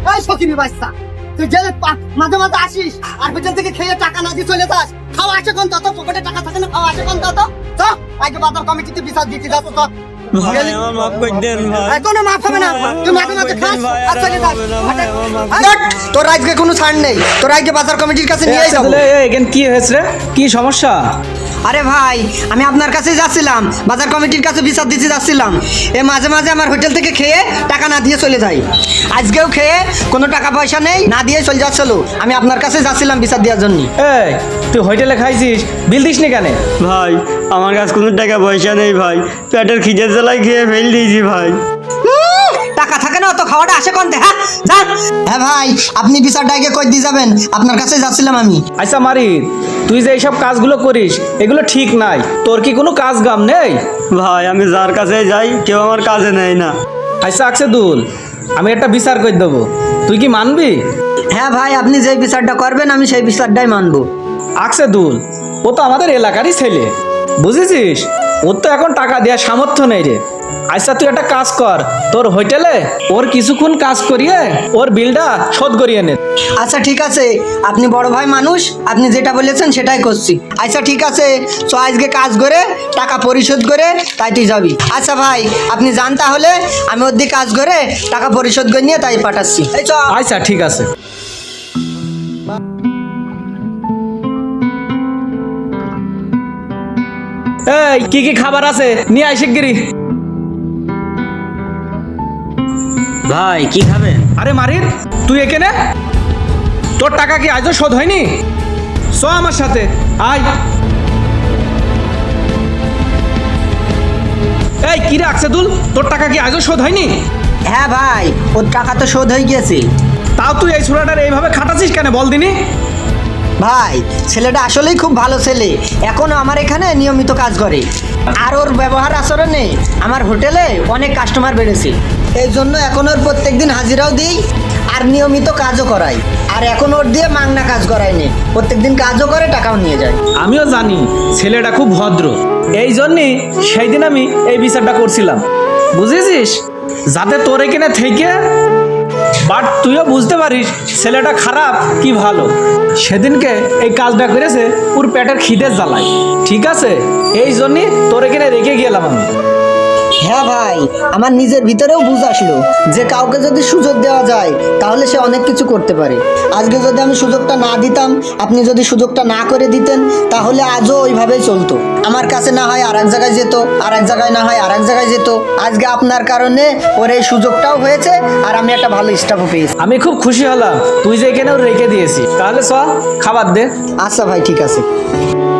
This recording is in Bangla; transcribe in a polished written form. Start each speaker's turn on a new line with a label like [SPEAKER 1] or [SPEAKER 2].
[SPEAKER 1] এই সকিনি বাচ্চা, তুই যে মাঝে মাঝে আসিস আর হোটেল থেকে খেয়ে টাকা না দিয়ে চলে যাস, খাওয়া আসে কোন তত পকেটে টাকা থাকে না, খাওয়া আসে কোন তত। তো আগে বাজার কমিটিতে বিচার দিতে যাচ্ছ তো
[SPEAKER 2] ভাই আমার মাফ করে দেন ভাই।
[SPEAKER 1] কোনো মাফ হবে না, তুই মাঝে মাঝে খাস আর চলে যাস।
[SPEAKER 3] দেখ, তোর আজকে কোনো ছাড় নেই, তোর আজকে বাজার কমিটির কাছে নিয়ে যাবো।
[SPEAKER 4] এখানে কি হয়েছে রে? কি সমস্যা?
[SPEAKER 3] আরে ভাই, আমি আপনার কাছে যাচ্ছিলাম, বাজার কমিটির কাছে বিচার দিতে যাচ্ছিলাম। মাঝে মাঝে আমার হোটেল থেকে খেয়ে টাকা না দিয়ে চলে যাই। আজকেও খেয়ে কোনো টাকা পয়সা নেই, না দিয়ে চলে যাচ্ছিল। আমি আপনার কাছে যাচ্ছিলাম বিচার দেওয়ার জন্য।
[SPEAKER 4] এই তুই হোটেলে খাইছিস, বিল দিস নি কেন?
[SPEAKER 2] ভাই আমার কাছে কোনো টাকা পয়সা নেই ভাই, পেটের খিদের জ্বালায় খেয়ে ফেল দিয়েছি ভাই।
[SPEAKER 3] টাকা থাকে না তো খাওয়াটা আসে কোনতে? হ্যাঁ যান। হ্যাঁ ভাই, আপনি বিচারটা আগে কই দিয়ে যাবেন, আপনার কাছে যাচ্ছিলাম আমি।
[SPEAKER 4] আচ্ছা মারি, তুই যে এইসব কাজগুলো করিস এগুলো ঠিক নাই। তোর কি কোনো কাজ গাম নেই?
[SPEAKER 2] ভাই আমি যার কাছে যাই কেউ আমার কাজে নেয় না।
[SPEAKER 4] আচ্ছা আকসেদুল, আমি একটা বিচার করে দেবো, তুই কি মানবি?
[SPEAKER 3] হ্যাঁ ভাই, আপনি যেই বিচারটা করবেন আমি সেই বিচারটাই মানবো।
[SPEAKER 4] আকসেদুল ও তো আমাদের এলাকারই ছেলে, বুঝেছিস? ওর তো এখন টাকা দেওয়ার সামর্থ্য নেই রে। আচ্ছা তুই একটা কাজ কর, তোর হোটেলে ওর কিছুক্ষণ কাজ করিয়ে ওর বিলটা শোধ করিয়ে নে।
[SPEAKER 3] আচ্ছা ঠিক আছে, আপনি বড় ভাই মানুষ, আপনি যেটা বলেছেন সেটাই করছি। আচ্ছা ঠিক আছে, তো আজকে কাজ করে টাকা পরিশোধ করে তাই তুই যাবি। আচ্ছা ভাই, আপনি যান তাহলে, আমি ওর দিকে কাজ করে টাকা পরিশোধ করে নিয়ে তাই পাঠাচ্ছি। এই চ।
[SPEAKER 4] আচ্ছা ঠিক আছে। এই কি কি খাবার আছে নিয়ে আয় শিগগিরি।
[SPEAKER 2] ভাই কি খাবেন?
[SPEAKER 4] আরে মারিদ, তুই এখানে? তোর টাকা কি আজও শোধ হয়নি? চ আমার সাথে আয়। এই কি রে আকসেদুল, তোর টাকা কি আজও শোধ হয়নি?
[SPEAKER 3] হ্যাঁ ভাই, ওর টাকা তো শোধ হয়ে গিয়েছে।
[SPEAKER 4] তাও তুই এই ছোড়াটার এইভাবে খাটাছিস কেন বল দিনি?
[SPEAKER 3] ভাই ছেলেটা আসলেই খুব ভালো ছেলে, এখনো আমার এখানে নিয়মিত কাজ করে। আর ওর ব্যবহার আচরণে আমার হোটেলে অনেক কাস্টমার বেড়েছে। এই জন্য এখন ওর প্রত্যেকদিন হাজিরাও দিই আর নিয়মিত কাজও করাই। আর এখন ওর দিয়ে মাংনা কাজ করাইনি, প্রত্যেকদিন কাজও করে টাকাও নিয়ে যায়।
[SPEAKER 4] আমিও জানি ছেলেটা খুব ভদ্র, এই জন্যই সেই দিন আমি এই বিচারটা করছিলাম, বুঝেছিস? যাতে তোর এখানে থেকে বাট তুইও বুঝতে পারিস ছেলেটা খারাপ কি ভালো। সেদিনকে এই কাজটা করেছে ওর পেটের খিদের জ্বালায়, ঠিক আছে? এই জন্যই তোর এখানে রেখে গেলাম আমি।
[SPEAKER 3] হ্যাঁ ভাই, আমার নিজের ভিতরেও বুঝ আসলো যে কাউকে যদি সুযোগ দেওয়া যায় তাহলে সে অনেক কিছু করতে পারে। আজকে যদি আমি সুযোগটা না দিতাম, আপনি যদি সুযোগটা না করে দিতেন, তাহলে আজও ওইভাবেই চলতো। আমার কাছে না হয় আর এক জায়গায় যেত, আর এক জায়গায় না হয় আর এক জায়গায় যেত। আজকে আপনার কারণে ওর এই সুযোগটাও হয়েছে আর আমি একটা ভালো স্টাফও পেয়েছি।
[SPEAKER 4] আমি খুব খুশি হলাম তুই যে এখানে ওর রেখে দিয়েছিস। তাহলে চ খাবার দে।
[SPEAKER 3] আচ্ছা ভাই, ঠিক আছে।